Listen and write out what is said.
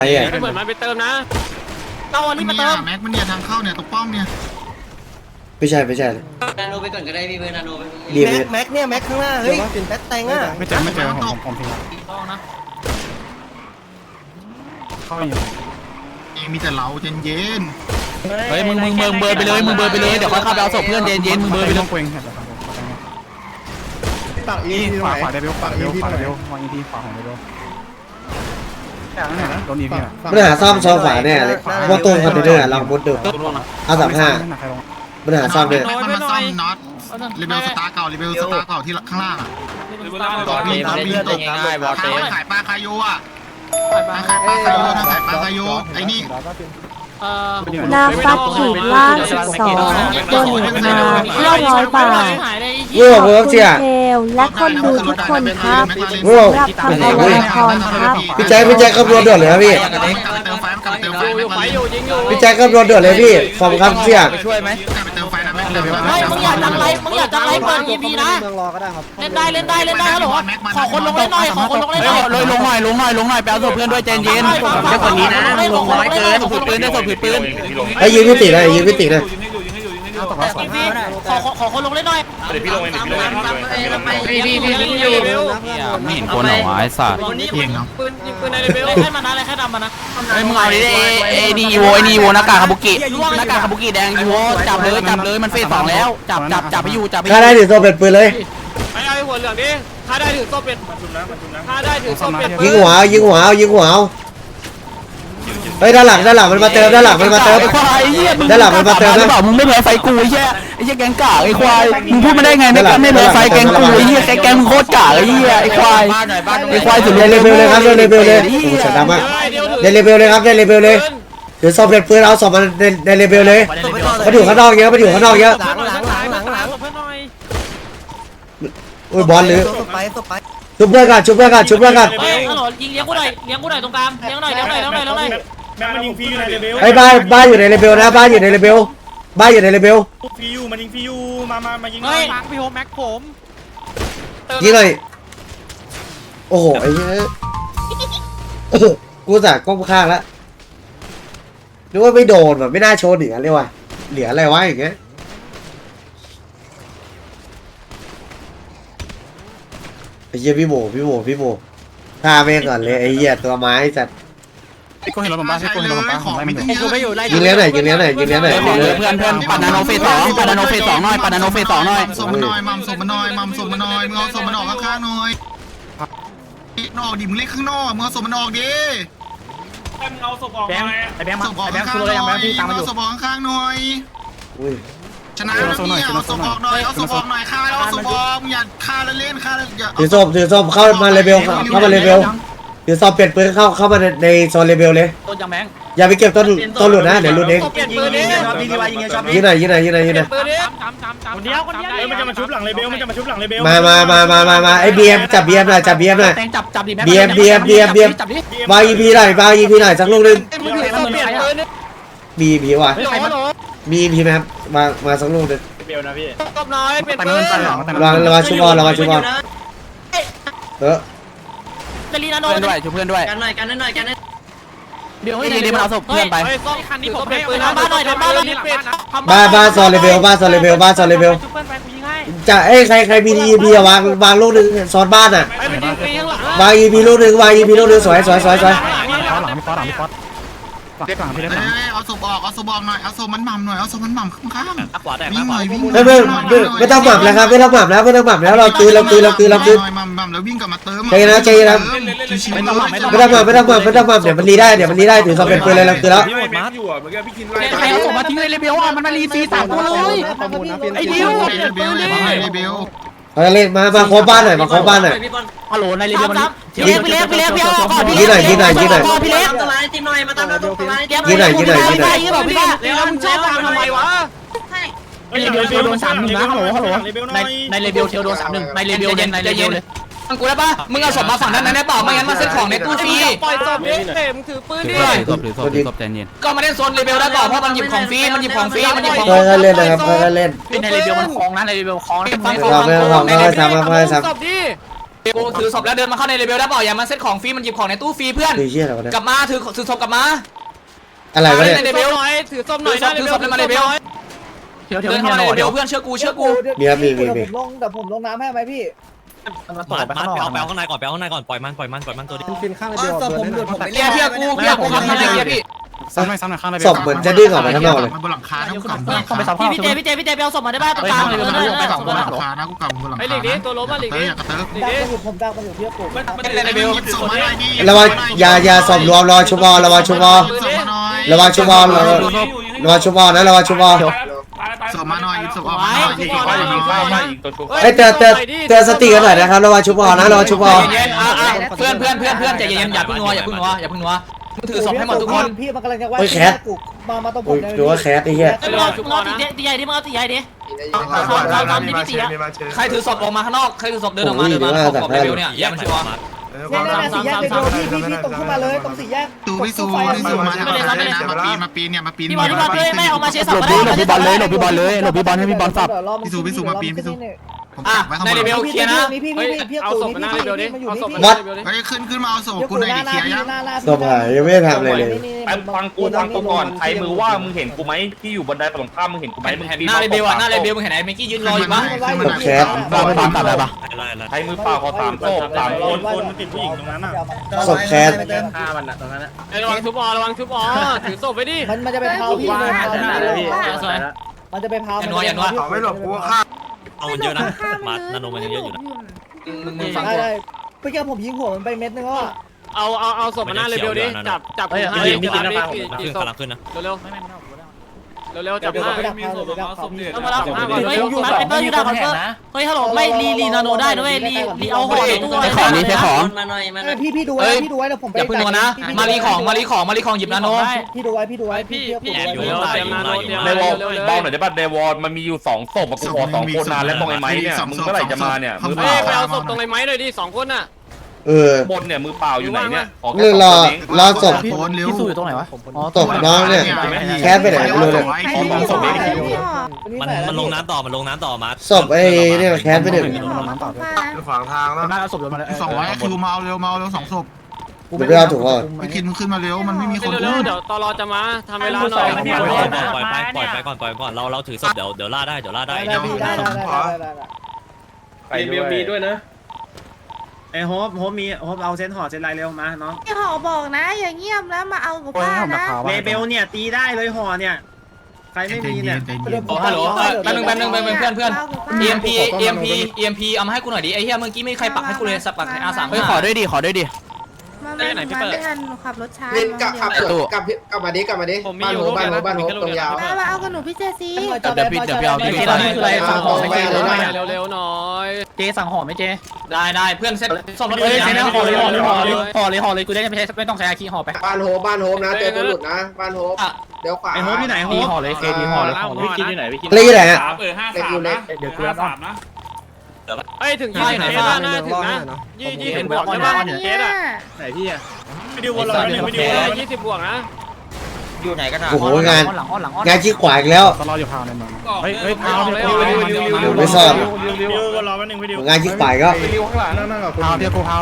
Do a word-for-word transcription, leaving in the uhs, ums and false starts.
ไอ้เหี้ยเหมือนมันไปเติมนะเอาอันนี้มาเติมแม็กมันเนี่ยทางเข้าเนี่ยตรงป้อมเนี่ยไม่ใช่ไม่ใช่เลยนาโนไปก่อนก็ได้พี่เพื่อนนาโนไปดีแม็กแม็กเนี่ยแม็กข้างหน้าเฮ้ยแม็กแตงอ่ะไม่เจอไม่เจอผมผมทิ้งต้องนะเข้าอยู่มีแต่เราเย็นเย็นเฮ้ยมึงมึงมึงเบอร์ไปเลยมึงเบอร์ไปเลยเดี๋ยวค่อยเข้าไปเอาศพเพื่อนเย็นเย็นมึงเบอร์ไปเลยเองปากอีขวาขวาเดบิวขวาเดบิวขวาเดบิววางอีทีขวาของเดบิวแต่นั่นไหนนะโดนอีพีอ่ะปัญหาซ่อมซองขวาเนี่ยเลยพวกตู้คอนเทนเนอร์ลองมุดดูเอาสามห้าปัญหาซ่อมเนี่ยมันมาซ่อมน็อตรีเบลสตาร์เก่ารีเบลสตาร์เก่าที่ข้างล่างอ่ะต่อปีต่อปีตกขายปลาคาโยอ่ะขายปลาคาโยขายปลาคาโยไอ้นี่นาฟัดขีดล่างสิบสองโดนอีกมาห้าร้อยบาทง่วงเวิร์กเชียเทลและคนดูทุกคนครับง่วงรับคำอวยพรครับพี่แจ็คพี่แจ็คคำนวณด่วนเลยครับพี่เติมไฟมันกลับเติมไฟอยู่ไฟอยู่ยิงอยู่พี่แจ็คคำนวณด่วนเลยพี่ขอบคุณครับเชียช่วยไหมกลับไปเติมไฟนะไม่เติมไฟไม่มึงอยากจังไรมึงอยากจังไรเปิด อี พี นะเมืองรอก็ได้ครับเล่นได้เล่นได้เล่นได้ฮัลโหลขอคนลงเล่นหน่อยขอคนลงเล่นหน่อยเลยลงหน่อยลงหน่อยลงหน่อยไปเอาศพเพื่อนด้วยเย็นเย็นเดี๋ยวก่อนนี้นะลงน้อยเกินศพปืนได้ศพปืนไอ้ยืนพิตินะยืนพิตินะขอขอคนลงเล่นหน่อยเดี๋ยวพี่ลงเองเดี๋ยวพี่ลงเองพี่พี่พี่พี่อยู่ไม่เห็นคนหรอวะไอ้สัตว์เพียงเนาะปืนยิงปืนในเรเบลให้มันนะอะไรแค่ดำมันนะไอ้มึงเอาดิไอ้นี่โวไอ้นี่โวหน้ากากคาบุกิหน้ากากคาบุกิแดงโวจับเลยจับเลยมันเฟสสองแล้วจับจับจับไปอยู่จับไปถ้าได้ถือโซ่เป็นปืนเลยไอ้ไอ้หัวเหลืองดิถ้าได้ถือโซ่เป็ดถ้าได้ถือโซ่เป็ดยิงหัวยิงหัวเอายิงหัวเอาเฮ้ยด้านหลังด้านหลังมันมาเติมด้านหลังมันมาเติมไอ้ควายเหี้ยด้านหลังมันมาเติมหรือนะเปล่ามึงไม่แพ้ไฟกูไอ้เหี้ยไอ้เหี้ยแกงกากไอ้ควายมึงพูดมาได้ไงไม่ไม่แพ้ไฟแกงกูไอ้เหี้ยแกงแกงมึงโคตรกากไอ้เหี้ยไอ้ควายไอ้ควายสุดเดนเลเวลเลยครับเดนเลเวลเลยโอ้โหเสียดายมากเดนเลเวลเลยครับเดนเลเวลเลยถือโซ่เป็นปืนเอาศพมาในในเลเวลเลยมันอยู่ข้างนอกเยอะมันอยู่ข้างนอกเยอะหลังหลังหลังหลังหลังเพื่อนหน่อยโอ้ยบอลหรือตบไปตบไปชุบเพื่อนกันชุบเพื่อนกันชุบเพื่อนกันเฮ้ยฮัลโหลยิงเลี้ยงกูหน่อยเลี้ยงกูหน่อยตรงกลางเลี้ยงหน่อยเลี้ยงหน่อยเลี้ยงหน่อยเลี้ยงหน่อยแม่งมันยิงฟรีอยู่ในเลเวลไอ้บ้านบ้านอยู่ในเลเวลนะบ้านอยู่ในเลเวลบ้านอยู่ในเลเวลฟรีอยู่มันยิงฟรีอยู่มามามายิงเฮ้ยพี่โฮแม็กผมยิงหน่อยโอ้โหไอ้เหี้ยกูสั่งก้มข้างแล้วนึกว่าไม่โดนแบบไม่น่าโชนเหนือเลยว่ะเหลืออะไรวะอย่างเงี้ยไอ้เหี้ยพี่โมพี่โมพี่โมฆ่าแม่งก่อนเลยไอ้เหี้ยตัวไม้จัดไอ้คนเห็นเราบ้าไอ้คนเห็นเราบ้าของไม่ถูกไม่อยู่ไล่ยิงเลี้ยงหน่อยยิงเลี้ยงหน่อยยิงเลี้ยงหน่อยยิงเลี้ยงเพื่อนเพื่อนปัดนาโนเฟสสองปัดนาโนเฟสสองหน่อยปัดนาโนเฟสสองหน่อยส่งมาหน่อยมัมส่งมาหน่อยมัมส่งมาหน่อยมึงเอาส่งมันออกข้างๆหน่อยนอกดิมึงเล่นข้างนอกมึงเอาส่งมันออกดิมึงเอาศพออกมาไอ้แบงค์มาไอ้แบงค์คืออะไรยังแบงค์พี่ตามมาอยู่ศพออกข้างๆหน่อยอุ้ยชนะแล้วเนี่ยเอาศพออกหน่อยเอาศพออกหน่อยฆ่าแล้วเอาศพออกมึงอย่าฆ่าแล้วเล่นฆ่าแล้วอย่าถือส้มถือส้มเข้ามาเลเวลเข้ามาเลเวลถือส้มเปลี่ยนปืนเข้าเข้ามาในในโซนเลเวลเลยต้นยังแบงค์อย่าไปเก็บต้นต้นหลุดนะเดี๋ยวหลุดเองเปลี่ยนปืนนี้ยิงดีวายยิงชอบยิงหน่อยยิงหน่อยยิงหน่อยยิงหน่อยปืนนี้คนเดียวคนเดียวเฮ้ยมันจะมาชุบหลังเลเวลมันจะมาชุบหลังเลเวลมามามามามามาไอ้บีเอ็มจับบีเอ็มหน่อยจับบีเอ็มหน่อยแตงจับจับดิแม่บีเอ็มบีเอ็มบีเอ็มบีเอ็มจับดิวางอีพีหน่อยวางอีพีหน่อยสักลูกนึงมึงถือต้นเปลี่ยนปืนนี่มีอีพีว่ะฮัลโหลมีอีพีไหมครับมามาสักลูกนึงเลเวลนะพี่ตบน้อยเปลี่ยนปืนวางวางชุบบอลวางชุบบอลเออเจลีนาโนเพื่อนด้วยช่วยเพื่อนด้วยกันหน่อยกันหน่อยกันหน่อยเดี๋ยวนี่เดี๋ยวมันเอาศพเพื่อนไปคันนี้ผมเปลี่ยนปืนนะบ้านหน่อยบ้านหน่อยเปลี่ยนบ้านบ้านโซนเลเวลบ้านโซนเลเวลบ้านโซนเลเวลจะเอ้ยใครใครมีอีพีวางวางลูกนึงโซนบ้านอ่ะไอ้มันยิงฟรีข้างหลังวางอีพีลูกนึงวางอีพีลูกนึงสวยสวยสวยสวยหลังพี่ป๊อตหลังพี่ป๊อตเรียกหลังพี่เล็กหลังเอาศพออกเอาศพออกหน่อยเอาศพมันหม่ำหน่อยเอาศพมันหม่ำข้างๆขวาแตกวิ่งหน่อยวิ่งไม่ไม่ไม่ไม่ต้องหมับแล้วครับไม่ต้องหมับแล้วไม่ต้องหมับแล้วเราคืนเราคืนเราคืนเราคืนหม่ำหม่ำแล้ววิ่งกลับมาเติมใจเย็นนะใจเย็นนะไม่ต้องหม่ำไม่ต้องไม่ต้องหมับไม่ต้องหมับไม่ต้องหมับเดี๋ยวมันรีได้เดี๋ยวมันรีได้ถือซอมเป็นปืนเลยเราคืนแล้วพี่ไม่แม็กอยู่อ่ะเมื่อกี้พี่กินไล่ใครเอาศพมาทิ้งในเลเบลอ่ะมันมารีซีสามตัวเลยไอ้ดิวเบลเลยเบลเราเล่นมามาโคบ้านหน่อยมาโคบ้านหน่อยฮัลโหลในเลเบลมันพี่เล็กพี่เล็กพี่เล็กพี่เอาก่อนพี่ยิงหน่อยยิงหน่อยยิงหน่อยพี่เล็กตัวร้ายตีหน่อยมาตามเราตัวร้ายยิงหน่อยยิงหน่อยยิงหน่อยยิงบอกพี่ว่าแล้วมึงชอบทำไมวะในเลเวลเทลโดนสามหนึ่งนะฮัลโหลฮัลโหลในในเลเบลเทลโดนสามหนึ่งในเลเบลเย็นในเลเบลเลยฟังกูได้ปะมึงเอาศพมาฝั่งนั้นได้เปล่าไม่งั้นมาเซ็ตของในตู้ฟรีปล่อยศพดิเต็มถือปืนดิถือศพถือศพถือศพใจเย็นก็มาเล่นโซนเลเบลได้เปล่าเพราะมันหยิบของฟรีมันหยิบของฟรีมันหยิบของค่อยๆเล่นนะครับค่อยๆเล่นในเลเบลมันคลองนะในเลเบลคลองเราไม่ต้องเราไม่ทำเราไม่ทศพดิกูถือศพแล้วเดินมาเข้าในเลเวลได้เปล่าอย่ามาเซ็ตของฟรีมันหยิบของในตู้ฟรีเพื่อนคือเชี่ยอะไรวะเนี่ยกลับมาถือถือศพกลับมาอะไรวะเนี่ยในเลเวลถือส้มหน่อยถือศพเลยมาเลเวลเดินเข้ามาในเลเวลเพื่อนเชื่อกูเชื่อกูมีครับมีมีมีลงแต่ผมลงน้ำให้ไหมพี่มาต่อไปข้างนอกไปเอาข้างในก่อนไปเอาข้างในก่อนปล่อยมันปล่อยมันปล่อยมันตัวนี้ฟินข้างเดียวผมหลุดผมเพียเพียกูเพียกูทำอะไรเพียพี่ซ้ำหน่อยซ้ำหน่อยข้างในศพเหมือนจะดิ้นออกมาข้างนอกเลยมันบนหลังคานะกูกลับบนหลังต้องไปคาซ้ำพี่พี่เจพี่เจพี่เจไปเอาศพมาได้บ้างตรงกลางเลยกูเลยกลับบนหลังคานะกูกลับบนหลังไอ้คาหลีกนี้ตัวล้มอ่ะหลีกเตอนี้ร์อย่ากระเติร์หลีกนี้ผมดังมาอยู่ที่ผมในเลเวลส่งมาหน่อยดิระวังยายาศพรวมระวังชุบอระวังชุบอส่งมาหน่อยระวังชุบอระวังระวังชุบอนะระวังชุบอส่งมาหน่อยส่งออกมาหน่อยเอ้ยเตือนเตือนเตือนสติกันหน่อยนะครับระวังชุบอนะระวังชุบอเย็นๆเพื่อนเพื่อนเพื่อนเพื่อนใจเย็นๆอย่าพึ่งนัวอย่าพึ่งนัวอย่าพึ่งนัวมึงถือศพให้หมดทุกคนพี่มันกำลังจะว่ามามาตรงผอุ้มยดูว่าแคสไอ้เหี้ยมึงเอามึงเอาตีตีใหญ่ดิมึงเอาตีใหญ่ดิเราทำดิพี่ตีอ่ะใครถือศพออกมาข้างนอกใครถือศพเดินออกมาเดินมาขอบเลเวลเนี่ยอย่ามันชัวร์เนี่ยสี่แยกเลยพี่พี่พี่ตรงขึ้นมาเลยตรงสี่แยกตูวิสูวิสูมาทำอะไรนะมาปีนมาปีนเนี่ยมาปีนพี่บอลพี่บอลเฮ้ยไม่เอามาเชสหลบดิหลบพี่บอลเลยหลบพี่บอลเลยหลบพี่บอลให้พี่บอลสับผมอ่ะจับไว้ข้างในบนเลเวลเคลียร์นะพี่พี่พี่พี่เอาศพมาหน้าเร็วดิเอาศพมาวัดเฮ้ยขึ้นขึ้นมาเอาศพกูหน่อยดิเคลียร์ยังศพหายยังไม่ได้ทำอะไรเลยฟังกูฟังกูก่อนใครมือว่ามึงเห็นกูไหมที่อยู่บนไดฝั่งข้ามมึงเห็นกูไหมมึงเห็นหน้าเลเวลอ่ะหน้าเลเวลมึงเห็นไอ้เมกี้ยืนรออยู่ปะแคสตามตัดได้ปะใครมือเปล่าขอสามโต๊ะสามคนคนติดผู้หญิงตรงนั้นอ่ะศพแคสฆ่ามันอ่ะตรงนั้นอ่ะระวังทุบอระวังทุบอถือศพไปดิมันมันจะไปเผาพี่มันจะไปเผาไม่หลบกูฆ่าเอามันเยอะนะมานาโนมันเยอะอยู่นะมึงมึงฟังได้ได้เมื่อกี้ผมยิงหัวมันไปเม็ดนึงแล้วอ่ะเอาเอาเอาศพมาหน้าเลเวลดิจับจับเฮ้ยห้าเฮ้ยดิมีกินจันะบฟังดิขึ้นกำลังขึ้นนะเร็วเร็วเร็วเร็วจับห้าไปดักเผาเลยไปดักเผาพี่ต้องมารับห้าก่อนเฮ้ยมาไอ้เปิ้ลยูดาคอนเตอร์เฮ้ยฮัลโหลไม่รีรีนาโนได้ด้วยรีรีเอาห่อในตู้ใช้ของนี้ใช้ของมาหน่อยมาหน่อยพี่พี่ดูไว้พี่ดูไว้แล้วผมไปอย่าพึ่งนัวนะมารีของมารีของมารีของหยิบนาโนพี่ดูไว้พี่ดูไว้พี่พี่แอบอยู่เตรียมนาโนเตรียมในวอลเร็วเร็วเบาหน่อยได้ป่ะในวอลมันมีอยู่สองศพกูขอสองคนนานแล้วตรงไอ้ไม้เนี่ยมึงเมื่อไหร่จะมาเนี่ยมือเปเฮ้ล่ายไปเอาศพตรงไอ้ไม้หน่อยดิสองคนน่ะเออบนเนี่ยมือเปล่าอยู่ไหนเนี่ยเรื่องรอรอศพโอนเร็วพี่สู้อยู่ตรงไหนวะอ๋อศพน้องเนี่ยแคสไปไหนไม่รู้เลยมันมันลงน้ำต่อมันลงน้ำต่อมาศพไอ้เนี่ยแคสไปหนึ่งขวางทางแล้วน่าเอาศพโยนมาเลยสองร้อยคิวมาเอาเร็วมาเอาเร็วสองศพเดี๋ยวไปเอาถุงก่อนไปกินมึงขึ้นมาเร็วมันไม่มีคนเร็อุ้วมเดี๋ยวตลอจะมาทำเวลาหน่อยปล่อยไปปล่อยไปก่อนปล่อยก่อนเราเราถือศพเดี๋ยวเดี๋ยวล่าได้เดี๋ยวล่าได้ได้พี่ได้ได้ได้ได้ไปด้วยไอ้โฮปโฮปมีโฮปเอาเซนห่อเซนลายเร็วมาเนาะพี่ขอบอกนะ อย่างเงียบแล้วมาเอากับป้านะเลเบลเนี่ยตีได้เลยห่อเนี่ยใครไม่มีเนี่ยโอ้ฮัลโหลแป๊บนึงแป๊บนึงแป๊บนึงเพื่อนเพื่อน เอ็มพี เอ็มพี เอ็มพี เอามาให้กูหน่อยดิไอ้เหี้ยเมื่อกี้ไม่มีใครปักให้กูเลยสับปักในอาสามเฮ้ยขอด้วยดิขอด้วยดิมาไม่ไม่ทันหนูขับรถช้าเล่นกับขับกลับกลับมาดิกลับมาดิผมมีอยู่บ้านโฮบ้านโฮตรงยาวมามาเอากับหนูพี่เจซีเดี๋ยวพี่เดี๋ยวพี่เอาพี่ตอนนี้คืออะไรสั่งหอมไม่เจเร็วๆหน่อยเจสั่งหอมไม่เจได้ได้เพื่อนเซ็ตส่งรถเลยใช้นะห่อเลยห่อเลยห่อเลยห่อเลยห่อเลยกูได้ไม่ใช่ไม่ต้องใช้อาคีห่อไปบ้านโฮบ้านโฮนะเจอตัวหลุดนะบ้านโฮเดี๋ยวขวาไอ้โฮปที่ไหนโฮดีปห่อเลยเคดีห่อเลยห่อเลยกินที่ไหนพี่กินเล่นที่ไหนฮะเออห้าเล็กสาอมยู่เล็นะกเดี๋ยวกูรับสามนะเอ้ยถึงยี่สิบเคสแล้วนะถึงนะยี่ยี่สิบบวกใช่ป่ะเคสอ่ะไหนพี่อ่ะไปดูวอลล์ไปดูวอลล์ยี่สิบบวกนะอยู่ไหนกันอ่ะโอ้โหงานหลังอ้อนหลังอ้อนงานขี้ขวาอีกแล้วตลอดอยู่พาวในเมืองเฮ้ยเฮ้ยเอาเลยเอาเลยไม่ซ่อนวิววอลล์วันหนึ่งวิดีโองานขี้ขวาอีกแล้ววิวข้างหลังนั่งนั่งกับพาวเดียวกูพาว